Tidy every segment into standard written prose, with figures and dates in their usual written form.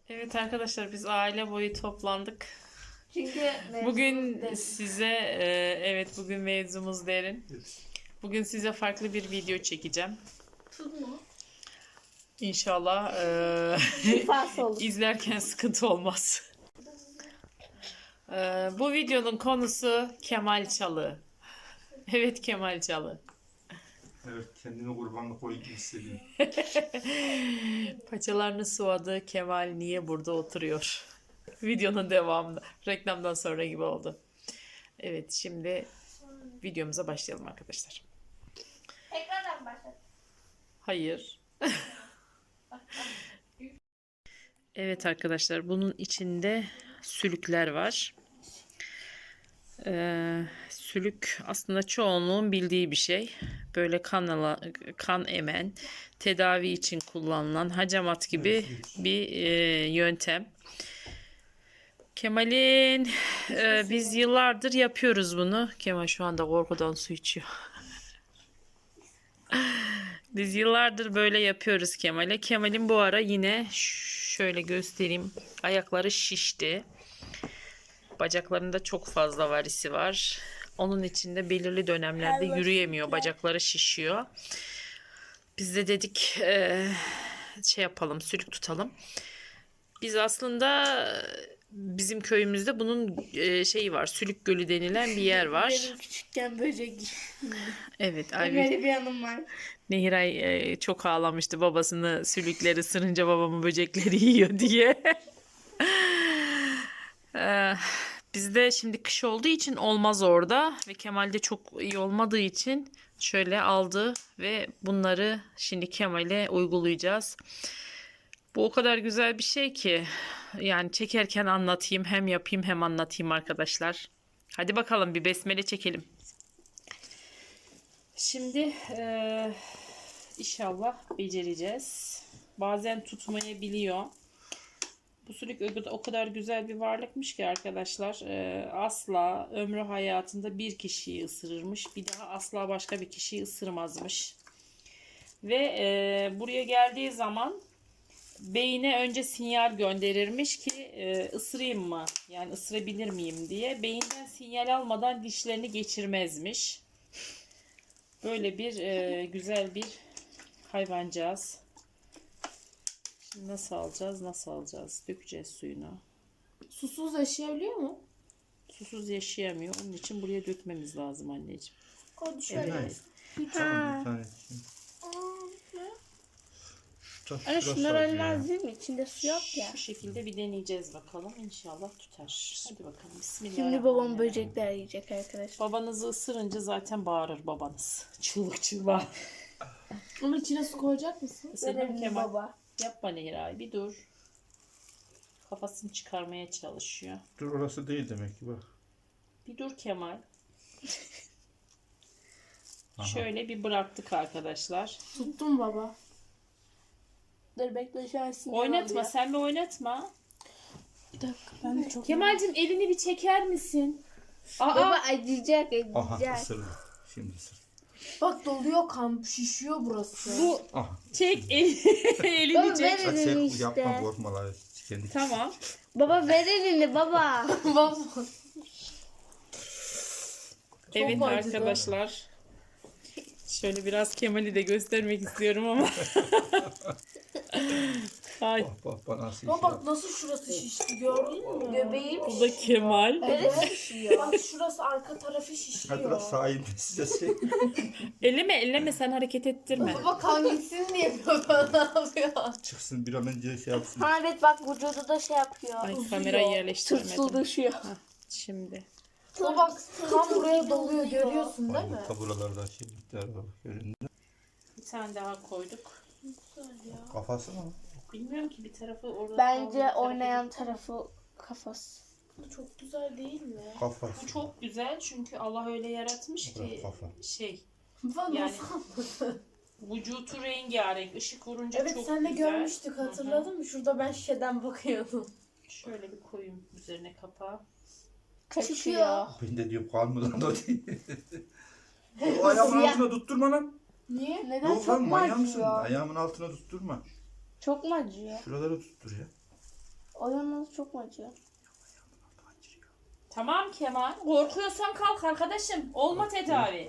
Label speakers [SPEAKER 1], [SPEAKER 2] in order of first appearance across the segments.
[SPEAKER 1] Evet arkadaşlar biz aile boyu toplandık.
[SPEAKER 2] Çünkü
[SPEAKER 1] Bugün size evet bugün mevzumuz derin. Bugün size farklı bir video çekeceğim. İnşallah
[SPEAKER 2] şifası olur.
[SPEAKER 1] izlerken sıkıntı olmaz. Bu videonun konusu Kemal Çalı. Evet Kemal Çalı.
[SPEAKER 3] Evet, kendini kurbanlık koyup hissediyor.
[SPEAKER 1] Paçalarını sıvadı. Kemal niye burada oturuyor? Videonun devamında. Reklamdan sonra gibi oldu. Evet şimdi videomuza başlayalım arkadaşlar.
[SPEAKER 2] Tekrardan başlat.
[SPEAKER 1] Hayır. Evet arkadaşlar bunun içinde sülükler var. Sülük aslında çoğunluğun bildiği bir şey. Böyle kan emen, tedavi için kullanılan hacamat gibi bir yöntem. Kemal'in biz yıllardır yapıyoruz bunu. Kemal şu anda korkudan su içiyor. Biz yıllardır böyle yapıyoruz Kemal'e. Kemal'in bu ara yine şöyle göstereyim. Ayakları şişti. Bacaklarında çok fazla varisi var. Onun için de belirli dönemlerde yürüyemiyor. Bacakları şişiyor. Biz de dedik şey yapalım, sülük tutalım. Biz aslında bizim köyümüzde bunun şeyi var. Sülük Gölü denilen bir yer var.
[SPEAKER 2] Benim küçükken böcek.
[SPEAKER 1] Evet,
[SPEAKER 2] Böyle bir anım var.
[SPEAKER 1] Nehiray çok ağlamıştı babasını sülükleri ısırınca babamı böcekleri yiyor diye. Bizde şimdi kış olduğu için olmaz orada ve Kemal'de çok iyi olmadığı için şöyle aldı ve bunları şimdi Kemal'e uygulayacağız. Bu o kadar güzel bir şey ki yani çekerken anlatayım hem yapayım hem anlatayım arkadaşlar. Hadi bakalım bir besmele çekelim. Şimdi inşallah becereceğiz. Bazen tutmayabiliyor. Bu sülük o kadar güzel bir varlıkmış ki arkadaşlar asla ömrü hayatında bir kişiyi ısırırmış. Bir daha asla başka bir kişiyi ısırmazmış. Ve buraya geldiği zaman beyine önce sinyal gönderirmiş ki ısırayım mı? Yani ısırabilir miyim diye. Beyinden sinyal almadan dişlerini geçirmezmiş. Böyle bir güzel bir hayvancağız. Şimdi nasıl alacağız? Nasıl alacağız? Dökeceğiz suyunu.
[SPEAKER 2] Susuz yaşayabiliyor mu?
[SPEAKER 1] Susuz yaşayamıyor. Onun için buraya dökmemiz lazım anneciğim.
[SPEAKER 2] O şöyle.
[SPEAKER 1] Evet.
[SPEAKER 3] Tamam, bir tane.
[SPEAKER 2] Anne şunlar öyle lazım. İçinde su yok ya.
[SPEAKER 1] Şu şekilde bir deneyeceğiz bakalım. İnşallah tutar. Hadi bakalım.
[SPEAKER 2] Şimdi
[SPEAKER 1] Bismillahirrahmanirrahim.
[SPEAKER 2] babam böcekler yiyecek arkadaşlar.
[SPEAKER 1] Babanızı ısırınca zaten bağırır babanız. Çığlık çığlığa.
[SPEAKER 2] Ama içine su koyacak mısın?
[SPEAKER 1] Isırdım Kemal.
[SPEAKER 2] Baba.
[SPEAKER 1] Yapma Nehray bir dur. Kafasını çıkarmaya çalışıyor.
[SPEAKER 3] Dur, orası değil demek ki bak.
[SPEAKER 1] Bir dur Kemal.
[SPEAKER 3] Aha.
[SPEAKER 1] Şöyle bir bıraktık arkadaşlar.
[SPEAKER 2] Tuttum baba. Dur bekle şu an sinyal
[SPEAKER 1] Oynatma
[SPEAKER 2] alıyor.
[SPEAKER 1] sen bir oynatma.
[SPEAKER 2] Bir dakika ben de çok...
[SPEAKER 1] Kemal'cim elini bir çeker misin?
[SPEAKER 2] Baba acıyacak
[SPEAKER 3] Aha,
[SPEAKER 2] acıyacak.
[SPEAKER 3] ısırdı. Şimdi ısırdı.
[SPEAKER 4] Bak doluyor, kan şişiyor burası.
[SPEAKER 1] Bu
[SPEAKER 3] Aha.
[SPEAKER 1] çek elini
[SPEAKER 2] Baba
[SPEAKER 1] çek.
[SPEAKER 2] ver elini
[SPEAKER 3] Çek, yapma,
[SPEAKER 2] işte.
[SPEAKER 3] korkma lan. Kendi.
[SPEAKER 1] Tamam.
[SPEAKER 2] Baba ver elini baba.
[SPEAKER 4] Baba.
[SPEAKER 1] Evet
[SPEAKER 4] acıdı.
[SPEAKER 1] arkadaşlar. Şöyle biraz Kemal'i de göstermek istiyorum ama. Ay,
[SPEAKER 3] Bak nasıl
[SPEAKER 4] Baba
[SPEAKER 3] işi
[SPEAKER 4] bak nasıl şurası şişti, gördün mü?
[SPEAKER 2] Göbeğim
[SPEAKER 1] bu da Kemal.
[SPEAKER 4] Bak şurası arka tarafı
[SPEAKER 3] Hadi
[SPEAKER 4] şişiyor.
[SPEAKER 3] biraz sahibi size şey.
[SPEAKER 1] Elleme sen hareket ettirme.
[SPEAKER 4] Baba kan gitsin diye baba ne yapıyor?
[SPEAKER 3] Çıksın bir an önce şey yapsın.
[SPEAKER 2] Ha evet bak vücudu da şey yapıyor.
[SPEAKER 1] Ay
[SPEAKER 4] Uzuyor.
[SPEAKER 1] kamerayı yerleştirmedim.
[SPEAKER 2] Tırtıldışıyor.
[SPEAKER 1] Şimdi.
[SPEAKER 4] Baba bak kan buraya doluyor, görüyorsun değil mi?
[SPEAKER 3] Bak buralarda şeylikler var. Görün.
[SPEAKER 1] Bir tane daha koyduk.
[SPEAKER 3] Kafası mı?
[SPEAKER 1] Bilmiyorum ki bir tarafı orada.
[SPEAKER 2] Bence
[SPEAKER 1] bir tarafı
[SPEAKER 2] oynayan
[SPEAKER 1] gitti.
[SPEAKER 2] tarafı kafası.
[SPEAKER 4] Çok güzel değil mi?
[SPEAKER 3] Kafası.
[SPEAKER 1] Bu çok güzel çünkü Allah öyle yaratmış
[SPEAKER 3] Bırak
[SPEAKER 1] ki
[SPEAKER 3] kafa.
[SPEAKER 1] şey
[SPEAKER 4] Baba
[SPEAKER 1] yani
[SPEAKER 4] nasıl anladın?
[SPEAKER 1] vücutu rengarenk ışık vurunca
[SPEAKER 4] Evet
[SPEAKER 1] çok
[SPEAKER 4] sen de
[SPEAKER 1] güzel.
[SPEAKER 4] görmüştük, hatırladın mı? Şurada ben şişeden bakıyordum.
[SPEAKER 1] Şöyle bir koyayım üzerine kapağı.
[SPEAKER 2] Kaçıyor.
[SPEAKER 3] Ben de diyorum kan mı lan o değil. O ayağımın altına tutturma lan.
[SPEAKER 4] Niye?
[SPEAKER 2] Neden
[SPEAKER 3] Yok
[SPEAKER 2] çok
[SPEAKER 3] lan
[SPEAKER 2] mu
[SPEAKER 3] manyak mısın?
[SPEAKER 2] acıyor?
[SPEAKER 3] Ayağımın altına tutturma.
[SPEAKER 2] Çok mu acıyor?
[SPEAKER 3] Şuraları tuttur ya.
[SPEAKER 2] Ayağınız çok mu acıyor?
[SPEAKER 1] Tamam Kemal. Korkuyorsan kalk arkadaşım. Olma tedavi.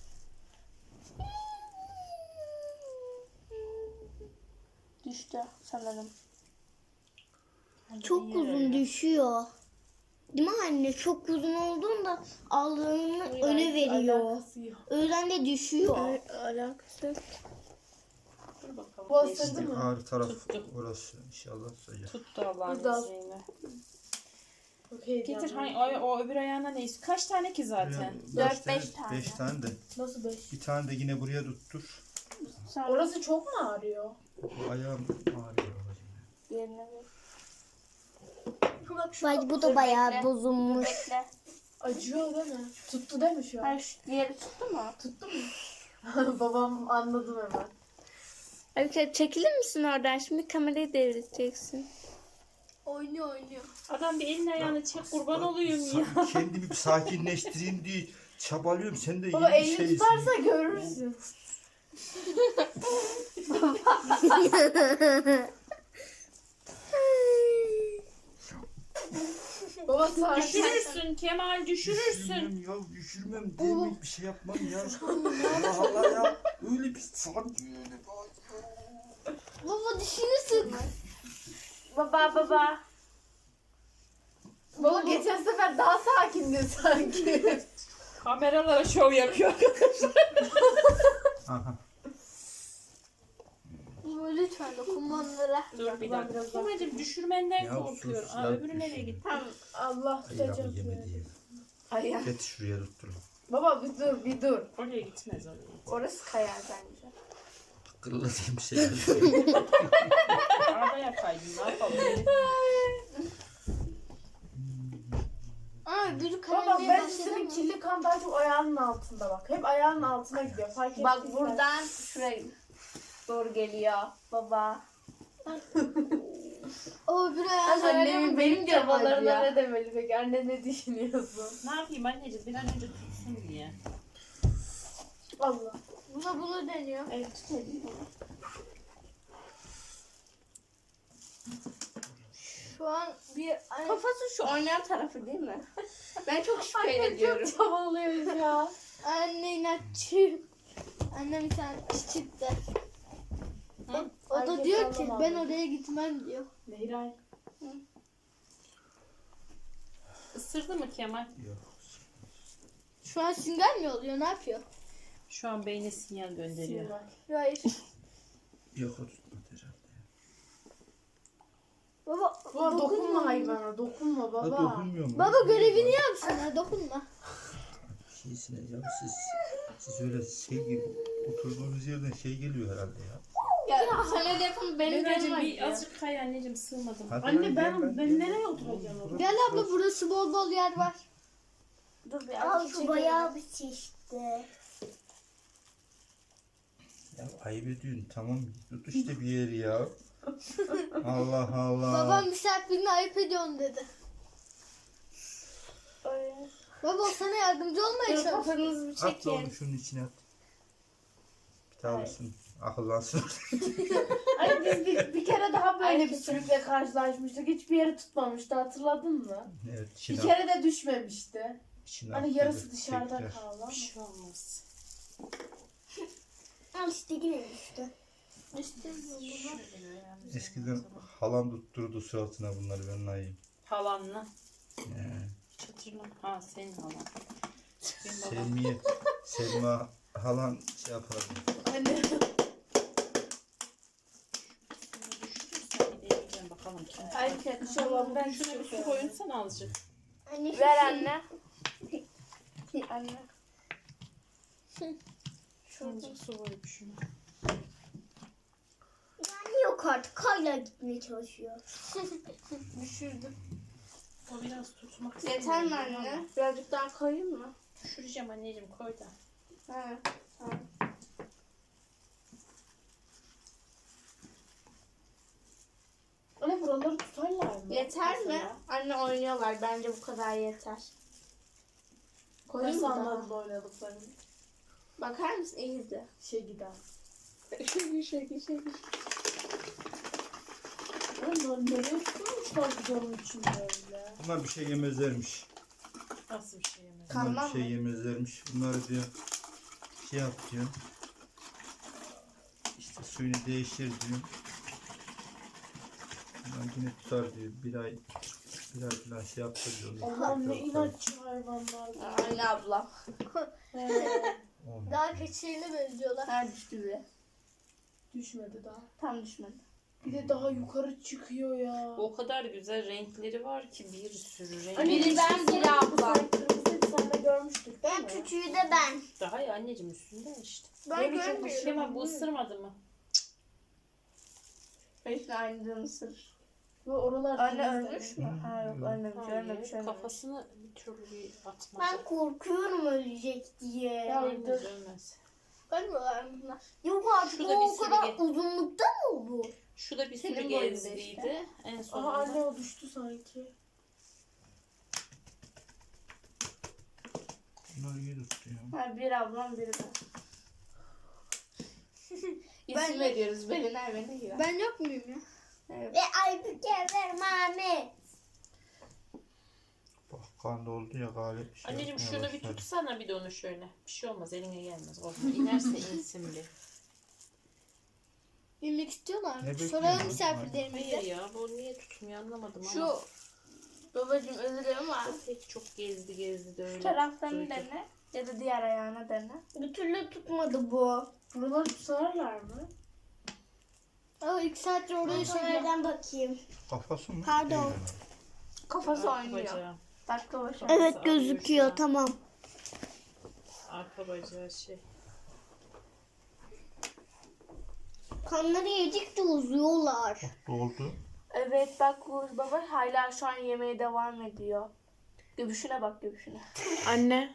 [SPEAKER 2] Düştü sanırım.
[SPEAKER 4] Çok uzun düşüyor. Değil mi anne? Çok uzun olduğunda aldığını öne veriyor.
[SPEAKER 2] Alakası yok.
[SPEAKER 4] O yüzden de düşüyor.
[SPEAKER 2] Alakası yok.
[SPEAKER 1] Dur bakalım.
[SPEAKER 2] Bu
[SPEAKER 1] Geçti.
[SPEAKER 2] ısırdı mı?
[SPEAKER 3] Ağrı taraf
[SPEAKER 1] Tuttu.
[SPEAKER 3] orası inşallah sıcak.
[SPEAKER 1] Tuttu Allah'ın
[SPEAKER 2] Burada.
[SPEAKER 1] izniyle.
[SPEAKER 2] Okey.
[SPEAKER 1] Getir hani o öbür ayağına ne istiyor? Kaç tane ki zaten?
[SPEAKER 2] 4-5 tane.
[SPEAKER 3] 5 tane de.
[SPEAKER 2] Nasıl 5?
[SPEAKER 3] Bir tane de yine buraya tuttur.
[SPEAKER 2] Orası çok mu ağrıyor?
[SPEAKER 3] Bu ayağım ağrıyor.
[SPEAKER 2] Yerine bir.
[SPEAKER 4] Bak bu da bayağı bozulmuş.
[SPEAKER 2] Bekle. Acıyor değil mi? Tuttu değil mi şu an? Hayır şu diğeri tuttu mu? Tuttu mu? Babam anladım hemen. Abi çekilir misin oradan? Şimdi kamerayı devredeceksin. Oynuyor.
[SPEAKER 1] Adam bir elini ayağını çek kurban olayım ya.
[SPEAKER 3] Kendimi bir sakinleştireyim diye çabalıyorum. Sen de
[SPEAKER 2] Baba
[SPEAKER 3] yeni
[SPEAKER 2] elini
[SPEAKER 3] şeysin.
[SPEAKER 2] tutarsa görürsün. Baba sakin.
[SPEAKER 1] Düşürürsün Kemal düşürürsün.
[SPEAKER 3] Düşürmem ya, düşürmem demek bir şey yapmam ya. Allah Allah ya. Öyle bir sanki öyle bak.
[SPEAKER 4] Baba düşünürsün.
[SPEAKER 2] Baba. Baba geçen sefer daha sakindi sanki.
[SPEAKER 1] Kameralara şov yapıyor.
[SPEAKER 3] Aha.
[SPEAKER 4] Lütfen dokunmanlara.
[SPEAKER 1] Dur bir dakika. Kemal'cim düşürmenden
[SPEAKER 3] Ya
[SPEAKER 1] korkuyorum.
[SPEAKER 3] sus,
[SPEAKER 1] Aa,
[SPEAKER 3] ya
[SPEAKER 1] öbürü nereye
[SPEAKER 3] düşün.
[SPEAKER 1] gitti?
[SPEAKER 2] Tamam Allah tutacak.
[SPEAKER 3] Ayağımı yeme diye.
[SPEAKER 2] Ayağı.
[SPEAKER 3] Getir şuraya tuttur.
[SPEAKER 2] Baba bir dur.
[SPEAKER 1] Oraya gitmez oraya.
[SPEAKER 2] Orası kayar bence.
[SPEAKER 3] Kırıladığım şey.
[SPEAKER 1] Arabaya kaydın ne yapalım?
[SPEAKER 4] Aa biri
[SPEAKER 2] Baba
[SPEAKER 4] kaymaya
[SPEAKER 2] bence
[SPEAKER 4] başladı
[SPEAKER 2] senin
[SPEAKER 4] mı?
[SPEAKER 2] kirli kan daha çok ayağının altında bak. Hep ayağının altına gidiyor. Fark
[SPEAKER 5] Bak
[SPEAKER 2] ettiysen.
[SPEAKER 5] buradan şuraya doğru geliyor baba.
[SPEAKER 4] O bir ayağını
[SPEAKER 2] Annemin benim
[SPEAKER 5] çabalarına
[SPEAKER 2] çabalarına ne demeli peki? Anne ne düşünüyorsun?
[SPEAKER 1] Ne yapayım anneciğim bir an önce tutsun diye.
[SPEAKER 2] Allah.
[SPEAKER 4] bunu deniyor.
[SPEAKER 2] Evet tutayım.
[SPEAKER 4] Şu an bir
[SPEAKER 5] Kafası şu oynayan tarafı değil mi? Ben çok şüphe ediyorum.
[SPEAKER 2] Çok çabalıyoruz ya.
[SPEAKER 4] anne inatçı. Annem bir tane çıktı. O da
[SPEAKER 2] Herkes
[SPEAKER 4] diyor ki
[SPEAKER 2] anlamadı.
[SPEAKER 4] ben oraya gitmem diyor.
[SPEAKER 2] Nehray.
[SPEAKER 1] Isırdı mı Kemal?
[SPEAKER 3] Yok.
[SPEAKER 4] Şu an sinyal mi oluyor? Ne yapıyor?
[SPEAKER 1] Şu an beyne sinyal gönderiyor.
[SPEAKER 4] Hayır.
[SPEAKER 3] Yok o tutmadı herhalde.
[SPEAKER 4] Baba
[SPEAKER 2] Baba dokunma hayvana. Dokunma
[SPEAKER 3] Ha,
[SPEAKER 2] baba.
[SPEAKER 3] dokunmuyorum.
[SPEAKER 4] Baba görevini yapsın ha dokunma.
[SPEAKER 3] Şeysine ya siz öyle şey gibi oturduğunuz yerden şey geliyor herhalde ya.
[SPEAKER 5] Ya sen öyle yapın benim
[SPEAKER 1] Anneciğim
[SPEAKER 5] canım
[SPEAKER 1] bir
[SPEAKER 5] acıyor.
[SPEAKER 1] azıcık kay anneciğim sığmadım.
[SPEAKER 3] Hadi
[SPEAKER 2] Anne
[SPEAKER 3] lan,
[SPEAKER 2] ben
[SPEAKER 3] gel
[SPEAKER 2] ben nereye oturacağım?
[SPEAKER 3] Burası-
[SPEAKER 4] Gel abla burası bol bol yer var.
[SPEAKER 5] Dur bir
[SPEAKER 4] Al
[SPEAKER 5] azıcık
[SPEAKER 4] şu
[SPEAKER 5] çekelim.
[SPEAKER 4] bayağı bir şişti.
[SPEAKER 3] Ya ayıp ediyorsun tamam tut işte bir yeri ya. Allah Allah.
[SPEAKER 4] Babam misafirini ayıp ediyorsun dedi. Baba o sana yardımcı olmaya
[SPEAKER 5] Dur
[SPEAKER 4] çalışıyor.
[SPEAKER 5] kafanızı bir
[SPEAKER 3] At da
[SPEAKER 5] çekin.
[SPEAKER 3] onu şunun içine at. Bir daha olsun. Akıllansın.
[SPEAKER 2] Ay biz bir kere daha böyle bir sürükle karşılaşmıştık. Hiçbir yeri tutmamıştı hatırladın mı?
[SPEAKER 3] Evet
[SPEAKER 2] Bir
[SPEAKER 3] içine
[SPEAKER 2] kere de düşmemişti.
[SPEAKER 3] içine
[SPEAKER 2] Hani
[SPEAKER 3] at
[SPEAKER 2] yarısı
[SPEAKER 3] dedi,
[SPEAKER 2] dışarıda
[SPEAKER 3] tekrar.
[SPEAKER 2] kaldı ama.
[SPEAKER 1] Bir şey olmaz.
[SPEAKER 4] Al işte yine düştü.
[SPEAKER 3] Eskiden halam tutturdu suratına bunları ben ayıyım.
[SPEAKER 1] Halanla.
[SPEAKER 3] Ee,
[SPEAKER 1] Hiç hatırlamam. Ha senin halan. Benim babam.
[SPEAKER 3] Selma halan şey yapardı.
[SPEAKER 2] Anne.
[SPEAKER 1] Düşürürsen bir deneyeceğim bakalım kim.
[SPEAKER 2] Ay şaşırmam ben
[SPEAKER 1] Şuna bir su koyunsana azıcık.
[SPEAKER 4] Anne,
[SPEAKER 5] Ver anne. Anne.
[SPEAKER 1] Azıcık su koy şuna.
[SPEAKER 4] Yani yok artık hala gitmeye çalışıyor.
[SPEAKER 5] Düşürdüm.
[SPEAKER 1] O biraz tutmak
[SPEAKER 5] Yeter mi
[SPEAKER 1] istemiyorum
[SPEAKER 5] anne?
[SPEAKER 1] ama
[SPEAKER 5] Birazcık daha koyayım mı?
[SPEAKER 1] Düşüreceğim anneciğim koy da.
[SPEAKER 5] Ha. Tamam.
[SPEAKER 2] Anne buraları tutarlar mı?
[SPEAKER 5] Yeter mi?
[SPEAKER 2] Mesela.
[SPEAKER 5] Anne oynuyorlar. Bence bu kadar yeter. Koyayım
[SPEAKER 2] Nasıl
[SPEAKER 5] mı daha?
[SPEAKER 2] anladın oynadıklarını?
[SPEAKER 5] Bakar mısın? İyi izle.
[SPEAKER 2] Şey gider.
[SPEAKER 5] Şöyle.
[SPEAKER 2] Oğlum bunlar? Nereye tutmuşlar camın içinde öyle?
[SPEAKER 3] Bunlar bir şey yemezlermiş.
[SPEAKER 1] Nasıl bir şey yemez?
[SPEAKER 3] Bunlar
[SPEAKER 5] Kanmam
[SPEAKER 3] bir şey yemezlermiş. Bunları diyor şey yap diyor. İşte suyunu değiştir diyor. Bunlar yine tutar diyor. Bir ay falan şey yaptır diyor.
[SPEAKER 2] Allah'ım ne inatçı hayvanlar.
[SPEAKER 5] Anne abla.
[SPEAKER 3] Olmaz.
[SPEAKER 4] Daha keçilerine benziyorlar.
[SPEAKER 5] Her düştü bile.
[SPEAKER 2] Düşmedi daha.
[SPEAKER 5] Tam düşmedi.
[SPEAKER 2] Bir de daha yukarı çıkıyor ya.
[SPEAKER 1] O kadar güzel renkleri var ki bir sürü renk.
[SPEAKER 5] Biri ben, biri ablam.
[SPEAKER 2] Kırmızıydı, sen de görmüştük değil
[SPEAKER 4] En
[SPEAKER 2] mi?
[SPEAKER 4] küçüğü de ben.
[SPEAKER 1] Daha iyi anneciğim üstünde işte.
[SPEAKER 2] Ben
[SPEAKER 1] Böyle çok
[SPEAKER 2] görmüyorum.
[SPEAKER 1] hoşuma Kemal bu ısırmadı mı?
[SPEAKER 5] Hepsini aynı ısırır.
[SPEAKER 2] Ve oralar
[SPEAKER 5] Anne
[SPEAKER 2] temizlendi.
[SPEAKER 5] ölmüş mü? Ha yok ölmemiş, ölmemiş, ölmemiş.
[SPEAKER 1] Kafasını bir türlü bir atmadı.
[SPEAKER 4] Ben korkuyorum ölecek diye.
[SPEAKER 2] Ya
[SPEAKER 1] Ölmez ölmez.
[SPEAKER 5] Ölmüyorlar bunlar.
[SPEAKER 4] Yok artık
[SPEAKER 1] Şurada
[SPEAKER 4] o
[SPEAKER 1] bir
[SPEAKER 4] o
[SPEAKER 1] sürü
[SPEAKER 4] kadar
[SPEAKER 1] gel-
[SPEAKER 4] uzunlukta mı bu?
[SPEAKER 1] Şu da bir sürü
[SPEAKER 5] Senin boyunda
[SPEAKER 1] gezdiydi.
[SPEAKER 5] işte.
[SPEAKER 1] En
[SPEAKER 2] Aha
[SPEAKER 1] sonunda.
[SPEAKER 2] anne o düştü sanki.
[SPEAKER 3] Bunlar iyi tutuyor.
[SPEAKER 5] Ha, bir ablam, biri ben. İsim veriyoruz. Belinay beni yiyor.
[SPEAKER 4] Ben yok muyum ya?
[SPEAKER 5] Evet.
[SPEAKER 4] Ve Aybüke ver Mehmet.
[SPEAKER 3] Bak kan doldu ya galip. Şey
[SPEAKER 1] Anneciğim
[SPEAKER 3] yapmaya
[SPEAKER 1] şunu bir
[SPEAKER 3] başladı.
[SPEAKER 1] tutsana bir de onu şöyle. Bir şey olmaz eline gelmez. Korkma. İnerse insin bir.
[SPEAKER 4] Bilmek istiyorlar
[SPEAKER 3] Ne
[SPEAKER 4] mı?
[SPEAKER 3] bekliyorsun?
[SPEAKER 4] Soralım
[SPEAKER 1] Hayır
[SPEAKER 4] misafirlerimize.
[SPEAKER 1] ya bu niye tutmuyor anlamadım ama.
[SPEAKER 5] Şu babacığım özür dilerim ama
[SPEAKER 1] Pek çok gezdi de öyle.
[SPEAKER 5] şu taraflarını
[SPEAKER 1] duydu.
[SPEAKER 5] dene ya da diğer ayağına dene.
[SPEAKER 4] Bir türlü tutmadı bu.
[SPEAKER 2] Buraları tutarlar mı?
[SPEAKER 4] Aa, 2 saattir oraya şöyle bakayım.
[SPEAKER 3] Kafası mı?
[SPEAKER 4] Pardon.
[SPEAKER 3] Değil herhalde.
[SPEAKER 5] Kafası
[SPEAKER 1] Arka
[SPEAKER 5] oynuyor.
[SPEAKER 1] bacağı.
[SPEAKER 5] Dakika başı.
[SPEAKER 4] Evet
[SPEAKER 1] ağrıyor şu
[SPEAKER 4] gözüküyor
[SPEAKER 1] an.
[SPEAKER 4] tamam.
[SPEAKER 1] Arka bacağı şey.
[SPEAKER 4] Kanları yedikçe uzuyorlar.
[SPEAKER 3] Doldu.
[SPEAKER 5] Evet bak bu baba hala şu an yemeye devam ediyor. Göbüşüne bak göbüşüne.
[SPEAKER 2] Anne.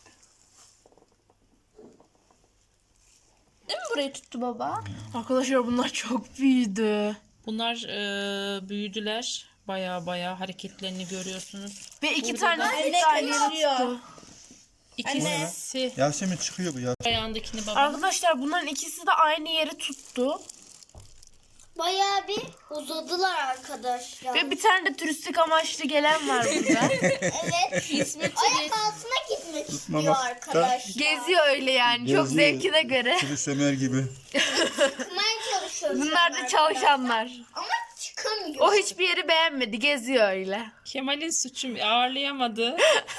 [SPEAKER 5] Değil mi burayı tuttu baba?
[SPEAKER 2] Arkadaşlar bunlar çok büyüdü.
[SPEAKER 1] Bunlar büyüdüler. Baya hareketlerini görüyorsunuz.
[SPEAKER 2] Ve iki
[SPEAKER 1] Burada
[SPEAKER 2] tane
[SPEAKER 1] da-
[SPEAKER 2] de aynı yere tuttu.
[SPEAKER 1] İkisi
[SPEAKER 3] Yasemin çıkıyor bu ya.
[SPEAKER 1] ayağındakini baba.
[SPEAKER 2] Arkadaşlar bunların ikisi de aynı yere tuttu.
[SPEAKER 4] Bayağı bir uzadılar arkadaşlar.
[SPEAKER 2] Ve bir tane de turistik amaçlı gelen var burada.
[SPEAKER 4] Evet.
[SPEAKER 5] İsmi
[SPEAKER 4] Ayak altına gitmek istiyor
[SPEAKER 3] Tutmamak da-
[SPEAKER 4] arkadaşlar.
[SPEAKER 2] Geziyor öyle yani. Çok
[SPEAKER 3] Geziyor.
[SPEAKER 2] zevkine göre.
[SPEAKER 3] Sürü Ömer gibi.
[SPEAKER 4] Çıkmaya çalışıyor.
[SPEAKER 2] Bunlar da çalışanlar.
[SPEAKER 4] Ama çıkamıyor.
[SPEAKER 2] O hiçbir yeri beğenmedi. Geziyor öyle.
[SPEAKER 1] Kemal'in suçu ağırlayamadı.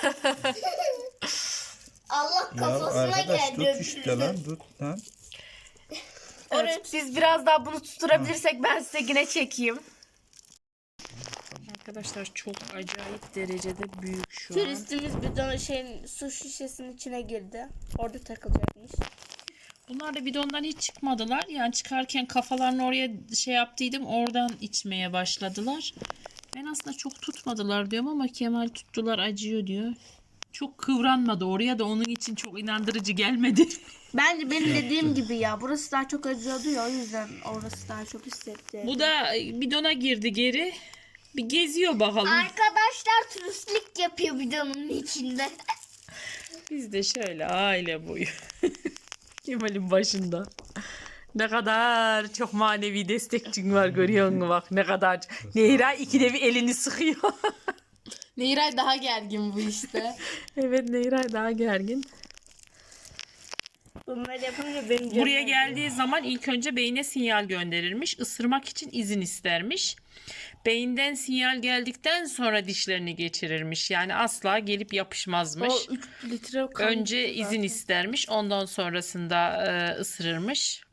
[SPEAKER 4] Allah
[SPEAKER 3] Ya
[SPEAKER 4] kafasına
[SPEAKER 3] arkadaş
[SPEAKER 4] geldi.
[SPEAKER 3] tut işte lan tut lan.
[SPEAKER 2] Evet, biz biraz daha bunu tutturabilirsek ben size yine çekeyim.
[SPEAKER 1] Arkadaşlar çok acayip derecede büyük şu an.
[SPEAKER 5] Turistimiz bir su şişesinin içine girdi. Orada takılacakmış.
[SPEAKER 1] Bunlar da bidondan hiç çıkmadılar. Yani çıkarken kafalarını oraya şey yaptıydım. Oradan içmeye başladılar. Ben aslında çok tutmadılar diyorum ama Kemal tuttular acıyor diyor. Çok kıvranmadı oraya da onun için çok inandırıcı gelmedi.
[SPEAKER 5] Bence benim dediğim gibi ya. Burası daha çok acıyordu ya. O yüzden orası daha çok hissetti.
[SPEAKER 1] Bu da bidona girdi geri. Bir geziyor bakalım.
[SPEAKER 4] Arkadaşlar turistlik yapıyor bidonun içinde.
[SPEAKER 1] Biz de şöyle aile boyu. Kemal'in başında. Ne kadar çok manevi destekçin var görüyor musun bak ne kadar. Nehra ikide bir elini sıkıyor.
[SPEAKER 2] Nehray daha gergin bu işte.
[SPEAKER 1] Evet Nehra daha gergin.
[SPEAKER 5] Bunları yapınca benim canım
[SPEAKER 1] Buraya
[SPEAKER 5] acıyor.
[SPEAKER 1] geldiği zaman ilk önce beyine sinyal gönderirmiş. Isırmak için izin istermiş. Beyinden sinyal geldikten sonra dişlerini geçirirmiş. Yani asla gelip yapışmazmış.
[SPEAKER 2] O 3 litre kan.
[SPEAKER 1] Önce izin istermiş. Ondan sonrasında ısırırmış.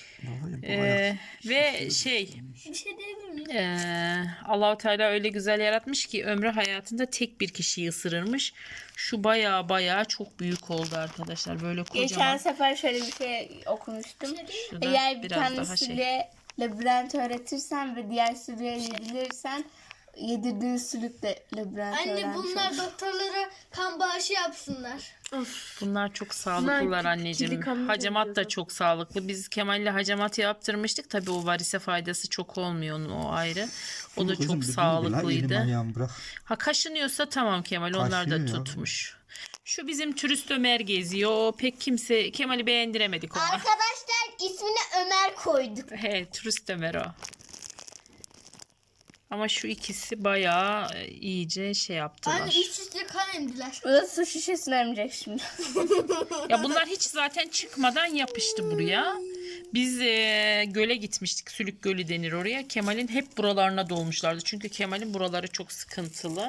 [SPEAKER 1] Ve şey
[SPEAKER 4] Bir şey diyebilir miyim?
[SPEAKER 1] Allah-u Teala öyle güzel yaratmış ki ömrü hayatında tek bir kişiyi ısırırmış. Şu baya çok büyük oldu arkadaşlar. Böyle kocaman.
[SPEAKER 5] Geçen sefer şöyle bir şey okumuştum.
[SPEAKER 1] Şu da
[SPEAKER 5] Eğer bir
[SPEAKER 1] biraz daha
[SPEAKER 5] tanesiyle labirent öğretirsen ve diğer sürüye yedirirsen yedirdiğin sülük de labirent
[SPEAKER 4] Anne
[SPEAKER 5] öğrenmiş
[SPEAKER 4] bunlar
[SPEAKER 5] olur.
[SPEAKER 4] doktorlara kan bağışı yapsınlar.
[SPEAKER 1] Bunlar çok sağlıklılar
[SPEAKER 2] Bunlar
[SPEAKER 1] anneciğim.
[SPEAKER 2] kili kanını
[SPEAKER 1] Hacamat da
[SPEAKER 2] yapıyorlar.
[SPEAKER 1] çok sağlıklı. Biz Kemal'le hacamat yaptırmıştık. Tabii o varise faydası çok olmuyor onun o ayrı. O da çok sağlıklıydı.
[SPEAKER 3] Ayağımı bırak.
[SPEAKER 1] Ha kaşınıyorsa tamam Kemal onlar da
[SPEAKER 3] Kaşıyor ya.
[SPEAKER 1] tutmuş. Şu bizim turist Ömer geziyor. O pek kimse Kemal'i beğendiremedik ona.
[SPEAKER 4] Arkadaşlar ismini Ömer koyduk.
[SPEAKER 1] He turist Ömer o. Ama şu ikisi bayağı iyice şey yaptılar.
[SPEAKER 2] Anne üst üste kan emdiler.
[SPEAKER 5] O da su şişesini emecek şimdi.
[SPEAKER 1] Ya bunlar hiç zaten çıkmadan yapıştı buraya. Biz göle gitmiştik. Sülük Gölü denir oraya. Kemal'in hep buralarına dolmuşlardı. Çünkü Kemal'in buraları çok sıkıntılı.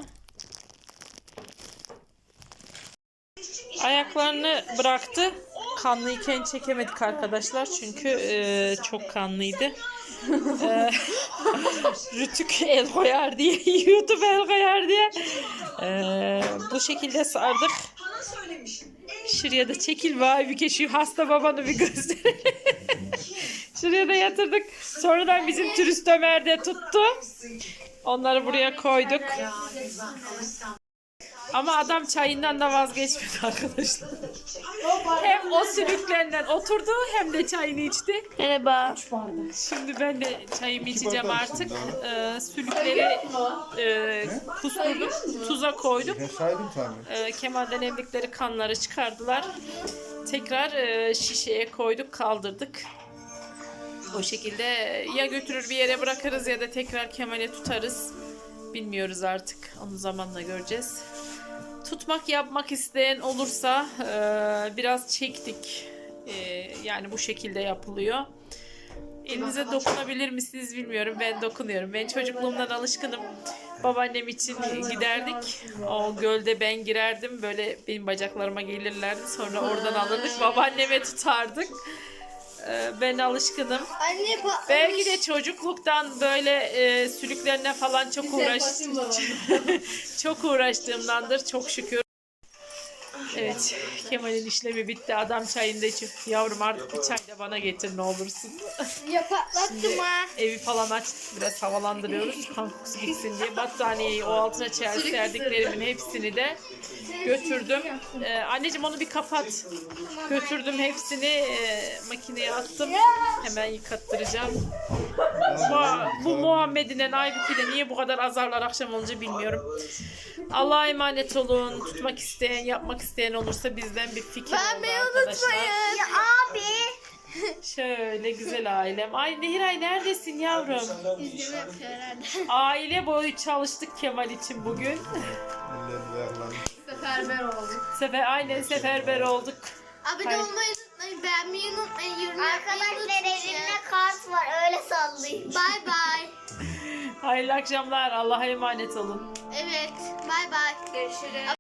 [SPEAKER 1] Ayaklarını bıraktı. Kanlıyken çekemedik arkadaşlar. Çünkü çok kanlıydı. Rütük el koyar diye, YouTube el koyar diye bu şekilde sardık. Şuraya da çekil vay bir şu hasta babanı bir gösterelim. Şuraya da yatırdık. Sonradan bizim turist Ömer de tuttu. Onları buraya koyduk. Ama adam çayından da vazgeçmedi arkadaşlar. Hem o sülüklerinden oturdu hem de çayını içti.
[SPEAKER 5] Merhaba.
[SPEAKER 1] Şimdi ben de çayımı içeceğim artık. Sülükleri kusturduk, tuza koyduk. Kemal'den emdikleri kanları çıkardılar. Tekrar şişeye koyduk, kaldırdık. O şekilde ya götürür bir yere bırakırız ya da tekrar Kemal'e tutarız. Bilmiyoruz artık. Onu zamanla göreceğiz. Tutmak yapmak isteyen olursa biraz çektik. Yani bu şekilde yapılıyor. Elinize dokunabilir misiniz bilmiyorum. Ben dokunuyorum. Ben çocukluğumdan alışkınım. Babaannem için giderdik. O gölde ben girerdim. Böyle benim bacaklarıma gelirlerdi. Sonra oradan alırdık. Babaanneme tutardık. Ben alışkınım.
[SPEAKER 2] Anne
[SPEAKER 1] Belki de çocukluktan böyle sülüklerine falan çok uğraştığımdandır. Çok şükür. Evet, Kemal'in işlemi bitti. Adam çayını içip yavrum artık bir çay da bana getir ne olursun.
[SPEAKER 2] ya patlattım ha.
[SPEAKER 1] Evi falan açtık, biraz havalandırıyoruz. Kan kokusu gitsin diye. Battaniyeyi o altına serdiklerimin hepsini de götürdüm. Anneciğim onu bir kapat. Götürdüm hepsini makineye attım. Hemen yıkattıracağım. Bu Muhammed'in Aybüke'yle niye bu kadar azarlar akşam olunca bilmiyorum. Allah'a emanet olun. Tutmak isteyen, yapmak isteyen olursa bizden bir fikir oldu arkadaşlar.
[SPEAKER 4] Ya abi.
[SPEAKER 1] Şöyle güzel ailem. Ay Nehiray neredesin yavrum?
[SPEAKER 2] İzleme yapıyor herhalde.
[SPEAKER 1] Aile boyu çalıştık Kemal için bugün.
[SPEAKER 2] Seferber olduk.
[SPEAKER 1] Aynen seferber olduk.
[SPEAKER 2] Abone olmayı unutmayın, beğenmeyi unutmayın, yorum yapmayı
[SPEAKER 4] Arkadaşlar
[SPEAKER 2] unutmayın.
[SPEAKER 4] elimde kart var öyle sallayayım.
[SPEAKER 2] Bye bye.
[SPEAKER 1] Hayırlı akşamlar. Allah'a emanet olun.
[SPEAKER 2] Evet, bye bye. Görüşürüz.